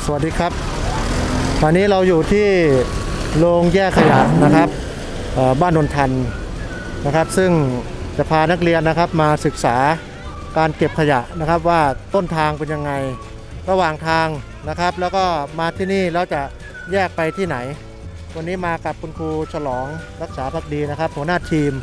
วัสดีครับตอนนี้เราอยู่ที่โรงแยกขยะนะครับบ้านนนทันนะครับซึ่งจะพานักเรียนนะครับมาศึกษาการเก็บขยะนะครับว่าต้นทางเป็นยังไงระหว่างทางนะครับแล้วก็มาที่นี่แล้วจะแยกไปที่ไหนวันนี้มากับคุณครูฉลองรักษาภักดีนะครับหัวหน้าทีม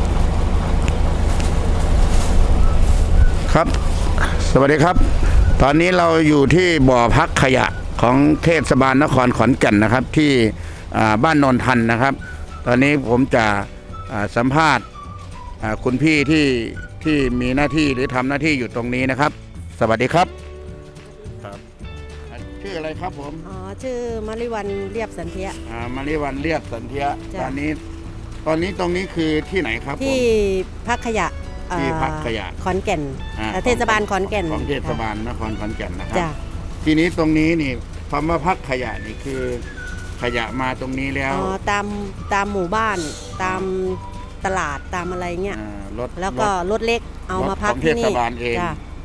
ครับสวัสดีครับตอนนี้เราอยู่ที่บ่อพักขยะของเทศบาลนครขอนแก่นนะครับที่บ้านนนทันนะครับตอนนี้ผมจะสัมภาษณ์คุณพี่ที่มีหน้าที่หรือทำหน้าที่อยู่ตรงนี้นะครับสวัสดีครับครับชื่ออะไรครับผมชื่อมาริวันเรียบสันเทียมาริวันเรียบสันเทียตอนนี้ตรงนี้คือที่ไหนครับที่พักขยะที่พักขยะขอนแก่นเทศบาลขอนแก่นของเทศบาลนครขอนแก่นนะครับทีนี้ตรงนี้นี่คำว่าพักขยะนี่คือขยะมาตรงนี้แล้วตามหมู่บ้านตามตลาดตามอะไรเงี้ยแล้วก็รถเล็กเอามาพักที่นี่เทศบาลเอง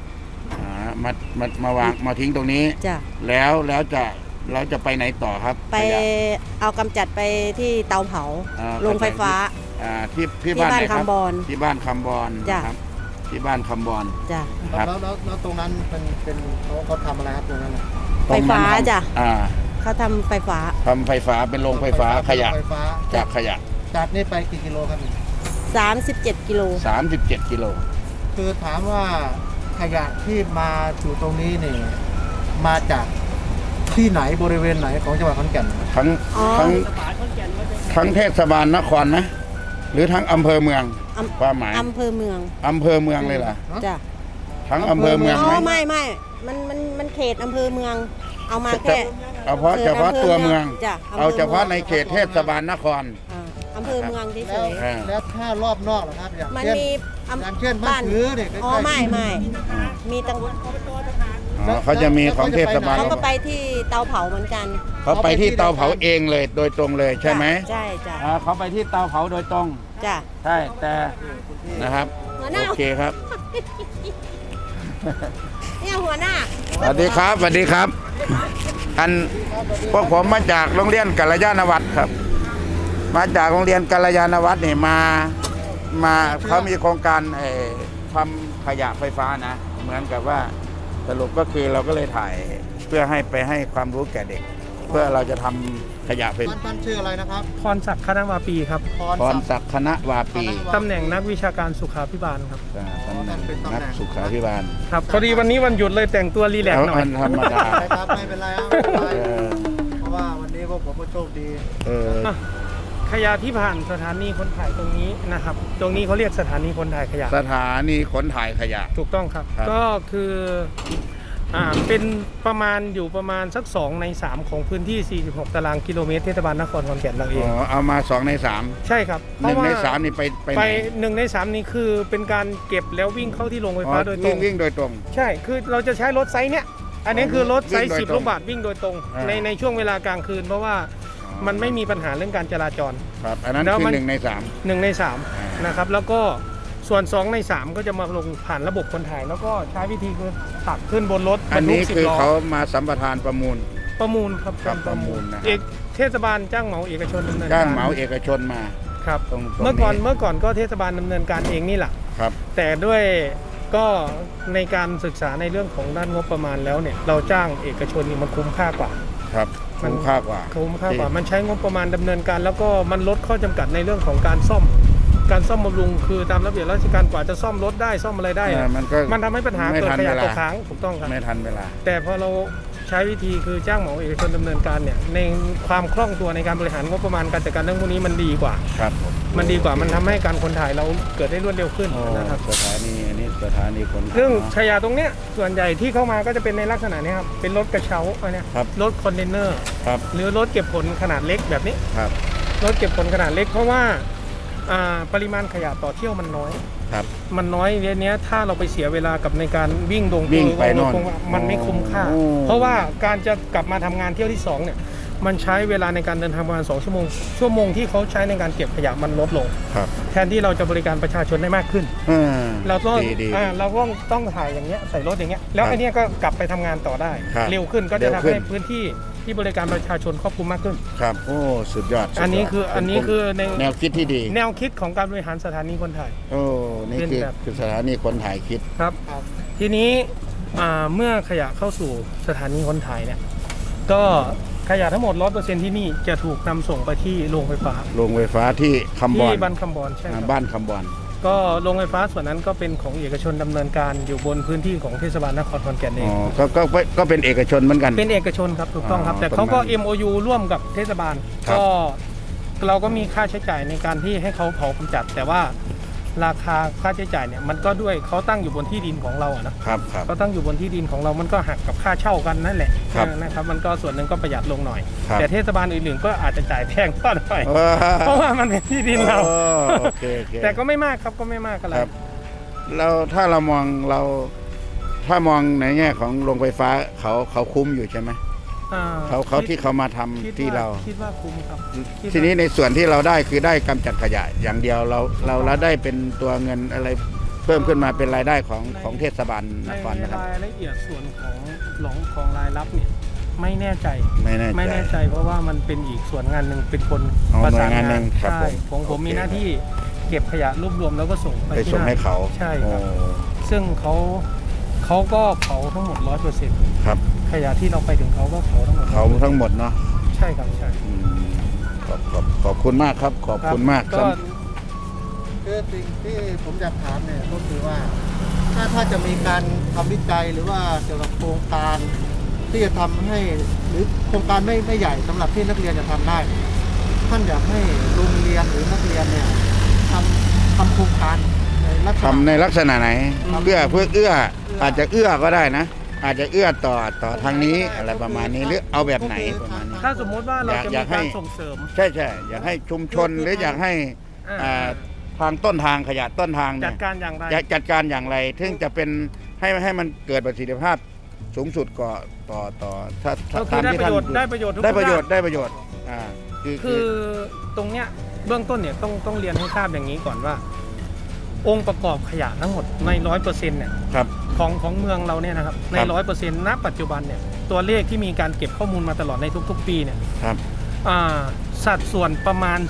มาวางมาทิ้งตรงนี้แล้วเราจะไปไหนต่อครับไปเอากำจัดไปที่เตาเผาโรงไฟฟ้าที่บ้านคำบอนที่บ้านคำบอนครับที่บ้านคำบอนจ้ะแล้วตรงนั้นเป็นเขาทำอะไรครับตรงนั้นไฟฟ้าจ้ะเขาทำไฟฟ้าเป็นโรงไฟฟ้าขยะจากขยะจากนี่ไปกี่กิโลครับ 37 กิโล 37 กิโลคือถามว่าขยะที่มาอยู่ตรงนี้นี่มาจากที่ไหนบริเวณไหนของจังหวัดขอนแก่นทั้งเทศบาลนครนะหรือทั้งอำเภอเมืองความหมายอำเภอเมืองเลยเหรอจ้ะทั้งอำเภอเมืองไหมไม่มันเขตอำเภอเมืองเอามาแค่เฉพาะตัวเมืองเอาเฉพาะในเขตเทศบาลนครอำเภอเมืองเฉยๆแล้วถ้ารอบนอกล่ะครับมันมีอย่างเช่นบ้านถือเนี่ยไม่มีตั้งเขาจะมีของเทศบาลเขาก็ไปที่เตาเผาเหมือนกันเขาไปที่เตาเผาเองเลยโดยตรงเลยใช่ไหมใช่จ้ะเขาไปที่เตาเผาโดยตรงจ้ะใช่แต่นะครับโอเคครับเนี่ยหัวหน้าสวัสดีครับพวกผมมาจากโรงเรียนกัลยาณวัฒน์ครับมาจากโรงเรียนกัลยาณวัฒน์นี่มาเขามีโครงการทำขยะไฟฟ้านะเหมือนกับว่าสรุปก็คือเราก็เลยถ่ายเพื่อให้ความรู้แก่เด็กเพื่อเราจะทำขยะไฟฟ้าท่านชื่ออะไรนะครับพรศักดิ์คณวาปีครับพรศักดิ์คณวาปีตำแหน่งนักวิชาการสุขาภิบาลครับตำแหน่งนักสุขาภิบาลครับพอดีวันนี้วันหยุดเลยแต่งตัวรีแลกซ์หน่อยธรรมดาครับไม่เป็นไรครับเพราะว่าวันนี้พวกผมก็โชคดีขยะที่ผ่านสถานีขนถ่ายตรงนี้นะครับตรงนี้เขาเรียกสถานีขนถ่ายขยะสถานีขนถ่ายขยะถูกต้องครับก็คือเป็นประมาณสัก2 ใน 3ของพื้นที่46 ตารางกิโลเมตรเทศบาลนครขอนแก่นเราเองเอามา2 ใน 3 ใช่ครับ 1 ใน 3นี่ไป 1 ใน 3นี่คือเป็นการเก็บแล้ววิ่งเข้าที่โรงไฟฟ้าโดยตรงวิ่งโดยตรงใช่คือเราจะใช้รถไซส์เนี้ยอันนี้คือรถไซส์10 ลูกบาศก์วิ่งโดยตรงในช่วงเวลากลางคืนเพราะว่ามันไม่มีปัญหาเรื่องการจราจรครับอันนั้นคือ1 ใน 3นะครับแล้วก็ส่วน2 ใน 3ก็จะมาลงผ่านระบบคนถ่ายแล้วก็ใช้วิธีคือตักขึ้นบนรถอันนี้คือเขามาสัมปทานประมูลครับประมูลนะเทศบาลจ้างเหมาเอกชนดำเนินจ้างเหมาเอกชนมาครับเมื่อก่อนก็เทศบาลดำเนินการเองนี่แหละครับแต่ด้วยก็ในการศึกษาในเรื่องของด้านงบประมาณแล้วเนี่ยเราจ้างเอกชนนี่มันคุ้มค่ากว่าครับคุ้มค่ากว่ามันใช้งบประมาณดำเนินการแล้วก็มันลดข้อจำกัดในเรื่องของการซ่อมบำรุงคือตามระเบียบราชการกว่าจะซ่อมรถได้ซ่อมอะไรได้มันทำให้ปัญหาเกิดขยะตกค้างถูกต้องครับไม่ทันเวลาแต่พอเราใช้วิธีคือจ้างเหมาเอกชนดำเนินการเนี่ยในความคล่องตัวในการบริหารงบประมาณการจัดการเรื่องพวกนี้มันดีกว่าครับมันดีกว่ามันทำให้การคนถ่ายเราเกิดได้รวดเร็วขึ้นนะครับสถานีคนซึ่งขยะตรงเนี้ยส่วนใหญ่ที่เข้ามาก็จะเป็นในลักษณะนี้ครับเป็นรถกระเช้าเนี่ยรถคอนเทนเนอร์หรือรถเก็บผลขนาดเล็กแบบนี้รถเก็บผลขนาดเล็กเพราะว่าปริมาณขยะต่อเที่ยวมันน้อยมันน้อยเนี้ยถ้าเราไปเสียเวลากับในการวิ่งไปมันไม่คุ้มค่าเพราะว่าการจะกลับมาทำงานเที่ยวที่2เนี่ยมันใช้เวลาในการเดินทางประมาณ2 ชั่วโมงที่เขาใช้ในการเก็บขยะมันลดลงครับแทนที่เราจะบริการประชาชนได้มากขึ้น เราต้องดีเราต้องถ่ายอย่างเงี้ยใส่รถอย่างเงี้ยแล้วครับไอ้เนี้ยก็กลับไปทำงานต่อได้ครับเร็วขึ้นก็จะเร็วทำขึ้นให้พื้นที่ที่บริการประชาชนครอบคลุมมากขึ้นครับโอ้สุดยอดสุดยดอันนี้คือในแนวคิดที่ดีแนวคิดของการบริหารสถานีคนถ่ายโอ้นี่เป็นคือแบบคือสถานีคนถ่ายคิดครับ ทีนี้เมื่อขยะเข้าสู่สถานีคนถ่ายเนี่ยก็ขยะทั้งหมด 100% ที่นี่จะถูกนำส่งไปที่โรงไฟฟ้าโรงไฟฟ้าที่คำบอที่นบ้านคำบอนใช่ครับบ้านคำบอนก็โรงไฟฟ้าส่วนนั้นก็เป็นของเอกชนดำเนินการอยู่บนพื้นที่ของเทศบาลนครขอนแก่นเออ๋งอก็เป็นเอกชนเหมือนกันเป็นเอกชนครับถูกต้องครับอ๋อแต่เขาก็ตรงนั้น MOU ร่วมกับเทศบาลครับก็เราก็มีค่าใช้จ่ายในการที่ให้เขาเผากำจัด แต่ว่าราคาค่าใช้จ่ายเนี่ยมันก็ด้วยเขาตั้งอยู่บนที่ดินของเราอะนะครับครับเขาตั้งอยู่บนที่ดินของเรามันก็หักกับค่าเช่ากันนั่นแหละครับนะครับมันก็ส่วนหนึ่งก็ประหยัดลงหน่อยครับแต่เทศบาลอื่นๆก็อาจจะจ่ายแพงกว่าหน่อยว้าเพราะว่ามันเป็นที่ดินเราโอเคโอเคแต่ก็ไม่มากครับก็ไม่มากอะไรครับแล้วถ้าเรามองถ้ามองในแง่ของโรงไฟฟ้าเขาคุ้มอยู่ใช่ไหมอ่าเขาที่เขามาทำคิดที่ว่าเราคิดว่าคุ้มครับคิดว่าทีนี้ในส่วนที่เราได้คือได้กำจัดขยะอย่างเดียวเราได้เป็นตัวเงินอะไรเพิ่มขึ้นมาเป็นรายได้ของเทศบาลนในครนะครับรายละเอียดส่วนของรายรับเนี่ยไม่แน่ใจไม่แน่ใจไม่แน่ใจเพราะว่ามันเป็นอีกส่วนงานหนึ่งเป็นคนอ๋อประสานหน่วยงานหนึ่งานงครับใช่ผมผมโอเคมีหน้าที่เก็บขยะรวบรวมแล้วก็ส่งไปไปที่ส่งนั่นให้เขาใช่ครับโอ้ซึ่งเขาก็เผาทั้งหมด 100% ครับขยะที่เราไปถึงเขาก็เผาทั้งหมดเขาทั้งหมดเนาะใช่ครับใช่อืมขอบคุณมากครับ ขอบคุณมากก็คือสิ่งที่ผมอยากถามเนี่ยก็คือว่าถ้าจะมีการทำวิจัยหรือว่าเกี่ยวกับโครงการที่จะทำให้หรือโครงการไม่ใหญ่สำหรับที่นักเรียนจะทำได้ ท่านอยากให้โรงเรียนหรือนักเรียนเนี่ยทำโครงการในลักษณะทำในลักษณะไหนเพื่ออาจจะเอื้อก็ได้นะ อาจจะเอื้อต่อทางนี้อะไรประมาณนี้หรือเอาแบบไหนประมาณนี้ถ้าสมมุติว่าเราจะอมียากให้การส่งเสริมใช่อยากให้ชุมชนหรืออยากให้อ่าทางต้นทางขยะต้นทางจัเนี่ยดการอย่างไรจะจัดการอย่างไรถึงจะเป็นให้มันเกิดประสิทธิภาพสูงสุดก่อต่อถ้าก็คือได้ประโยชน์พูได้ประโยชน์ทุกได้ประโยชด้านน์ได้ประโยชน์คืคือ อตรงเนี้ยเบื้องต้นเนี่ยต้องเรียนให้ทราบอย่างนี้ก่อนว่า องค์ประกอบขยะทั้งหมดใน 100%เนี่ยครับของเมืองเราเนี่ยนะครับใน 100%ณปัจจุบันเนี่ยตัวเลขที่มีการเก็บข้อมูลมาตลอดในทุกๆ ปีเนี่ยครับสัดส่วนประมาณ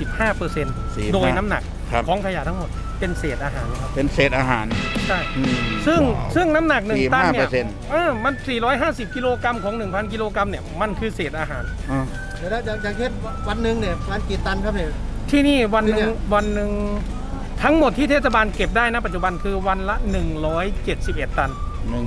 45% โดยน้ำหนักครับของขยะทั้งหมดเป็นเศษอาหารครับเป็นเศษอาหารใช่อืมซึ่งน้ำหนัก1 ตันเนี่ย 45% มัน 450 กิโลกรัมของ 1,000 กิโลกรัมเนี่ยมันคือเศษอาหารอ่าเดี๋ยวนะอย่างเช่นวันหนึ่งเนี่ยวันกี่ตันครับเนี่ยที่นี่วันหนึ่ที่งเนี่ยวันหนึ่งทั้งหมดที่เทศบาลเก็บได้นะปัจจุบันคือวันละ 171 ตัน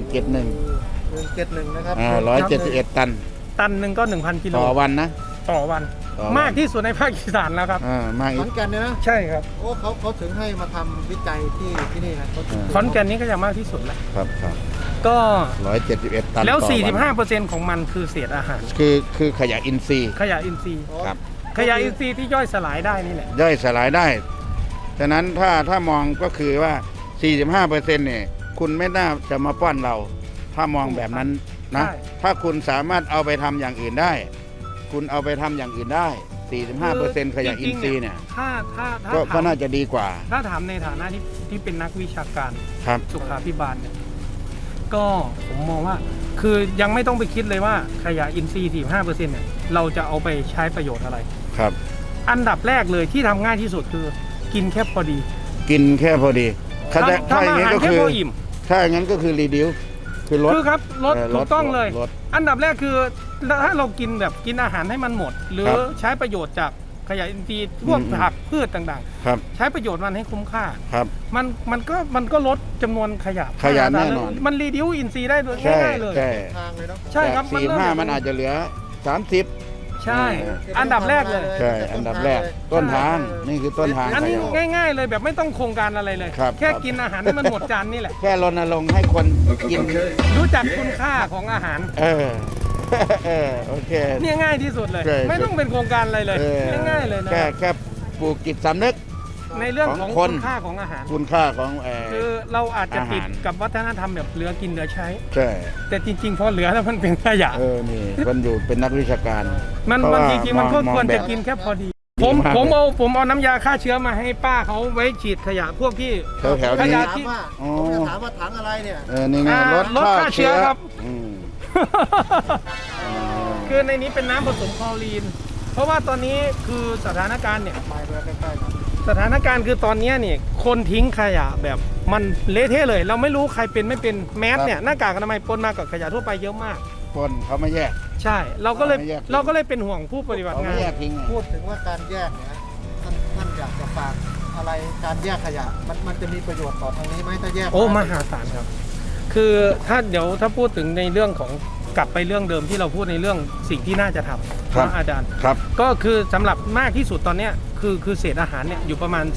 171นะครับ 171 ตันตันหนึ่งก็ 1,000 กิโลต่อวันนะต่อวันต่อวันมากที่สุดในภาคอีสานแล้วครับมากขอีอก นแก่นเนี่ยนะใช่ครับโอ้เขาถึงให้มาทำวิจัยที่นี่นะเขาถึงขอนแก่นนี้ก็ยังมากที่สุดแหละครับก็ 171 ตันแล้วต่อวัน 45%ของมันคือเศษอาหารคือขยะอินทรีย์ขยะอินทรีย์ครับขยะอินทรีย์ที่ย่อยสลายได้นี่แหละย่อยสลายได้ ฉะนั้นถ้ามองก็คือว่า 45%เนี่ย คุณไม่น่าจะมาป้อนเรา ถ้ามองแบบนั้นนะใช่ถ้าคุณสามารถเอาไปทำอย่างอื่นได้ คุณเอาไปทำอย่างอื่นได้ 45%ขยะอินทรีย์เนี่ยถ้าก็ถามน่าจะดีกว่าถ้าถามในฐานะที่เป็นนักวิชาการครับสุขาภิบาลเนี่ยก็ผมมองว่าคือยังไม่ต้องไปคิดเลยว่าขยะอินทรีย์ 45%เนี่ยเราจะเอาไปใช้ประโยชน์อะไรครับอันดับแรกเลยที่ทำง่ายที่สุดคือกินแค่พอดีกินแค่พอดีถ้าอย่างทำอานี้หารก็แค่คือพออิ่มถ้าอย่างนั้นก็คือรีดิวคือลดคือครับลดถูกต้องเลยลดอันดับแรกคือถ้าเรากินแบบกินอาหารให้มันหมด หรือครับใช้ประโยชน์จากขยะอินทรีย์พวกอืมผักพืชต่างครับๆ ใช้ประโยชน์มันให้คุ้มค่าครับมันก็ลดจำนวนขยะขยะแน่นอนมันรีดิวอินทรีย์ได้เลยใช่ง่ายๆเลยใช่ทางเลยเนาะใช่ครับจาก45 มันอาจจะเหลือ 30 ใช่ อันดับแรกเลยใช่ อันดับแรก ต้นทาง นี่คือต้นทางอันนี้ขยะง่ายๆเลยแบบไม่ต้องโครงการอะไรเลยครับแค่ครับกินอาหารให้มันหมดจานนี่แหละแค่รณรงค์ให้คนกินรู้จักคุณค่าของอาหารโอเคเนี่ยง่ายที่สุดเลยใช่ไม่ต้องเป็นโครงการอะไรเลยเออง่ายๆเลยนะแค่ปลูกจิตสำนึกในเรื่องของของคนคุณค่าของอาหารคุณค่าของคือเราอาจจะติดอาหารกับวัฒนธรรมแบบเหลือกินเหลือใช้ใช่แต่จริงๆพอเหลือแล้วมันเป็นขยะนี่มันอยู่เป็นนักวิชาการมันเพราะว่าจริงๆมันก็มองควรจะแบบกินแค่พอดีดีมากผมเอาน้ำยาฆ่าเชื้อมาให้ป้าเขาไว้ฉีดขยะพวกที่แถวๆขนี้ยะถามที่ว่าอ๋อผมจะถามว่าถังอะไรเนี่ยนี่ไงลดฆ่าเชื้อครับอืมคือในนี้เป็นน้ำผสมคลอรีน เพราะว่าตอนนี้คือสถานการณ์เนี่ยสถานการณ์คือตอนนี้เนี่ยคนทิ้งขยะแบบมันเละเทะเลย เราไม่รู้ใครเป็นไม่เป็นแมสเนี่ยหน้ากากอนามัยปนมากับขยะทั่วไปเยอะมากคนเขาไม่แยกใช่เราก็เลยไม่แยกทิ้งเราก็เลยเป็นห่วงผู้ปฏิบัติเขางาไม่นแยกทิ้งไงพูดถึงว่าการแยกเนี่ยท่านอยากจะฝากอะไรการแยกขยะมันจะมีประโยชน์ต่อทางนี้ไหมถ้าแยกโอ้มหาศาลครับ คือถ้าพูดถึงในเรื่องของกลับไปเรื่องเดิมที่เราพูดในเรื่องสิ่งที่น่าจะทำครับนะอาจารย์ครับก็คือสำหรับมากที่สุดตอนเนี้ยคือเศษอาหารเนี่ยอยู่ประมาณ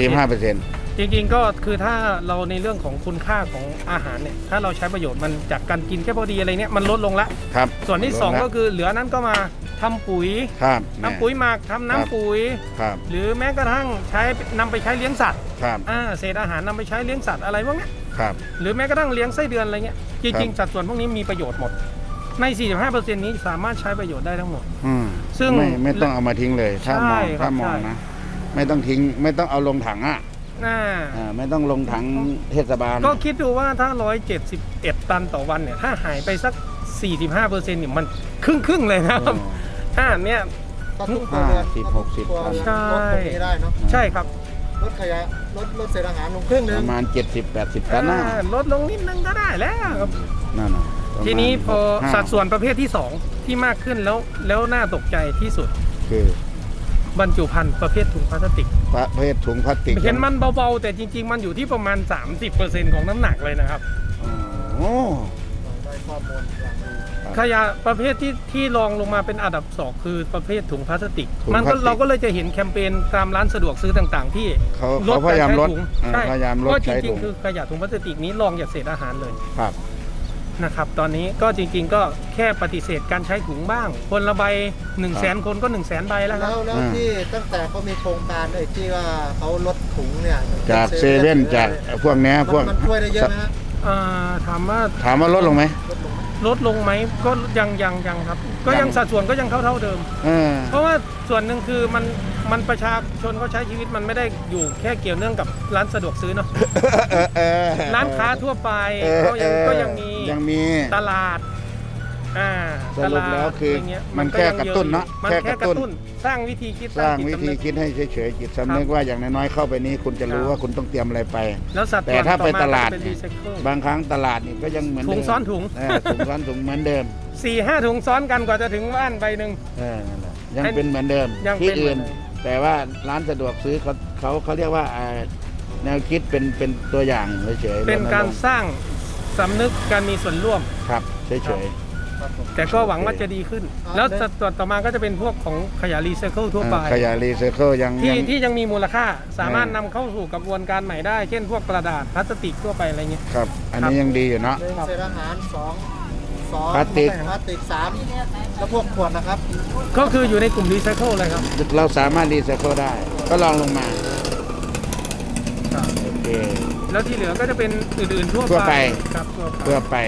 45% จริงๆก็คือถ้าเราในเรื่องของคุณค่าของอาหารเนี่ยถ้าเราใช้ประโยชน์มันจากการกินแค่พอดีอะไรเนี่ยมันลดลงละครับส่วนที่สองก็คือเหลือนั้นก็มาทำปุ๋ยครับทำปุ๋ยหมักทำน้ำปุ๋ยครับหรือแม้กระทั่งนำไปใช้เลี้ยงสัตว์ครับเศษอาหารนำไปใช้เลี้ยงสัตว์อะไรพวกเนี้ยครับหรือแม้กระทั่งเลี้ยงไส้เดือนอะไรเงี้ยจริงๆสัดส่วนพวกนี้มีประโยชน์หมดใน 45% นี้สามารถใช้ประโยชน์ได้ทั้งหมดอืมซึ่งไม่ต้องเอามาทิ้งเลย ถ้ามองใช่ครับถ้ามองใช่นะ ไม่ต้องทิ้ง ไม่ต้องเอาลงถังอ่ะอ่าไม่ต้องลงถังเทศบาลก็คิดดูว่าถ้า 171 ตันต่อวันเนี่ยถ้าหายไปสัก 45%เนี่ยมันครึ่งเลยนะครับเนี่ยก็ทุกครัวเรือน 50-60 ครัวเรือนใช่ลดตรงนี้ได้เนาะใช่ครับลดขยะลดเศษอาหารลงครึ่งหนึปงระมาณ 70-80 ตันนะลดลงนิดนึงก็ได้แล้วครับนั่นน่ะประมาณทีนี้พอ 65 สัดส่วนประเภทที่ 2 ที่มากขึ้นแล้วน่าตกใจที่สุดคือบรรจุภัณฑ์ประเภทถุงพลาสติกประเภทถุงพลาสติกเห็นมันเบาๆ แต่จริงๆ มันอยู่ที่ประมาณ 30% ของน้ำหนักเลยนะครับโอ้ได้ข้อมูลอย่างดีขยะประเภทที่รองลงมาเป็นอันดับสองคือประเภทถุงพลาสติกถุงมันพลาก็สติกเราก็เลยจะเห็นแคมเปญตามร้านสะดวกซื้อต่างๆ ที่เขาพยายามลดใช่พยายามลดก็จใช้ริถุงงๆคือขยะถุงพลาสติกนี้รองจากเศษอาหารเลยครับนะครับตอนนี้ก็จริงๆ ก็แค่ปฏิเสธการใช้ถุงบ้าง คนละใบ 100,000 คนก็ 100,000 ใบแล้วครับแล้วที่ตั้งแต่เขามีโครงการไอ้ที่ว่าเขาลดถุงเนี่ยจากเซเว่นจากพวกเนี้ยพวกมันช่วยได้เยอะไหมฮะถามว่าถามว่าลดลงไหมลดลงไหมลดลงไหมก็ยังครับ ก็ยังสัดส่วนก็ยังเท่าเดิมเออเพราะว่าส่วนหนึ่งคือมันประชาชนเขาใช้ชีวิตมันไม่ได้อยู่แค่เกี่ยวเนื่องกับร้านสะดวกซื้อเนาะร้านค้าทั่วไปก็ยังมียังมีตลาดสรุปแล้วคือตลาดะไรเงี้ยมันแค่กระตุ้นเนอะมันแค่แค่กกระระตุ้ตุ้นนสร้างวิธีคิดสร้างจิตวิสำธีนึกคิดให้เฉยๆจิตสำนึกว่าอย่างน้อยๆเข้าไปนี้คุณจะรู้ครับว่าคุณต้องเตรียมอะไรไปแล้วสัดแต่ถ้าไปตลาดเป็นรีไซเคิลบางครั้งตลาดนี่ก็ยังเหมือนถุเดิงมซ้อนถุงถุงซ้อนถุงเหมือนเดิม 4-5 ถุงซ้อนกันกว่าจะถึงบ้านใบหนึ่งนั่นแหละยังเป็นเหมือนเดิมยังที่เป็นเหมือื่อนนเดิมแต่ว่าร้านสะดวกซื้อเขาเรียกว่าแนวคิดเป็นตัวอย่างเฉยๆเป็นการณงค์สร้างสำนึกการมีส่วนร่วมครับเฉยครับผมแต่ก็หวังว่าจะดีขึ้น แล้วสัดส่วนต่อมาก็จะเป็นพวกของขยะรีไซเคิลทั่วไปขยะรีไซเคิลยังที่ยังมีมูลค่าสามารถนำเข้าสู่กระบวนการใหม่ได้ เช่นพวกกระดาษพลาสติกทั่วไปอะไรเงี้ยครับ อันนี้ยังดีอยู่เนาะหนึ่งเศษอาหารสองพลาสติกสามแล้วพวกขวดนะครับก็คืออยู่ในกลุ่มรีไซเคิลเลยครับเราสามารถรีไซเคิลได้ ก็ลองลงมาโอเคแล้วที่เหลือก็จะเป็นอื่นๆทั่วทั่วไปครับทั่วไปเพื่อไป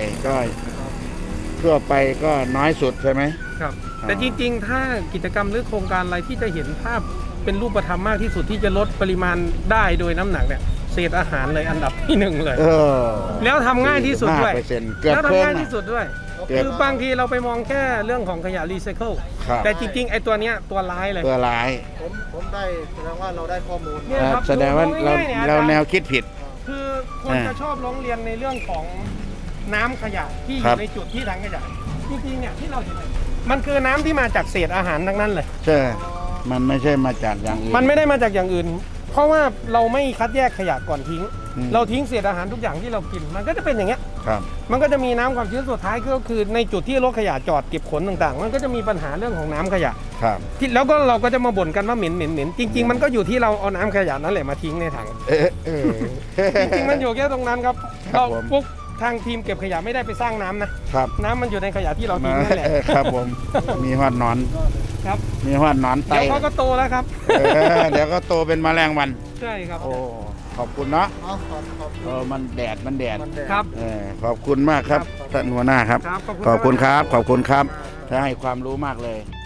ก็น้อยสุดใช่ไหมครับอ๋อแต่จริงๆ ถ้ากิจกรรมหรือโครงการอะไรที่จะเห็นภาพเป็นรูปธรรมมากที่สุดที่จะลดปริมาณได้โดยน้ำหนักเนี่ยเศษอาหารเลยอันดับที่หนึ่งเลย แล้วทำง่ายที่สุดด้วย 5%เกือบแล้วครึ่ทำงง่ายอะที่สุดด้วยเกือบคือบางทีเราไปมองแค่เรื่องของขยะรีไซเคิลครับแต่จริงๆ ไอ้ตัวเนี้ยตัวร้ายเลยตัวร้ายผมได้แสดงว่าเราได้ข้อมูลเนี่ย ครับแสดงว่าดูเราง่ายๆเนี่ยเราอาจารย์แนวคิดผิดคือคนจะชอบร้องเรียนในเรื่องของน้ำขยะที่อครัยู่บในจุดที่ถังขยะจริงๆเนี่ยที่เราเห็นเนี่ยมันคือน้ำที่มาจากเศษอาหารทั้งนั้นเลยใช่ มันไม่ใช่มาจากอย่างอื่นมันไม่ได้มาจากอย่างอื่น เพราะว่าเราไม่คัดแยกขยะก่อนทิ้งอืมเราทิ้งเศษอาหารทุกอย่างที่เรากิน มันก็จะเป็นอย่างเงี้ยครับมันก็จะมีน้ำความชื้นสุดท้ายก็คือในจุดที่รถขยะจอดเก็บขนต่างๆ มันก็จะมีปัญหาเรื่องของน้ำขยะครับที่แล้วก็เราก็จะมาบ่นกันว่าเหม็นจริง ๆ มันก็อยู่ที่เราเอาน้ำขยะนั่นแหละมาทิ้งในถังเออจริงๆมันอยู่แค่ตรงนั้นครับครับเราผมปุ๊บทางทีมเก็บขยะไม่ได้ไปสร้างน้ำนะครับ น้ำมันอยู่ในขยะที่เราทิ้งนั่นแหละครับผมมีฮอดหนอนครับมีฮอดหนอนไตเดี๋ยวเขาก็โตแล้วครับเดี๋ยวก็โตเป็นแมลงวันใช่ครับโอ้ขอบคุณเนาะเอาขอบคุณมันแดดครับขอบคุณมากครับท่านหัวหน้าครับครับขอบคุณครับ ขอบคุณครับถ้าให้ความรู้มากเลย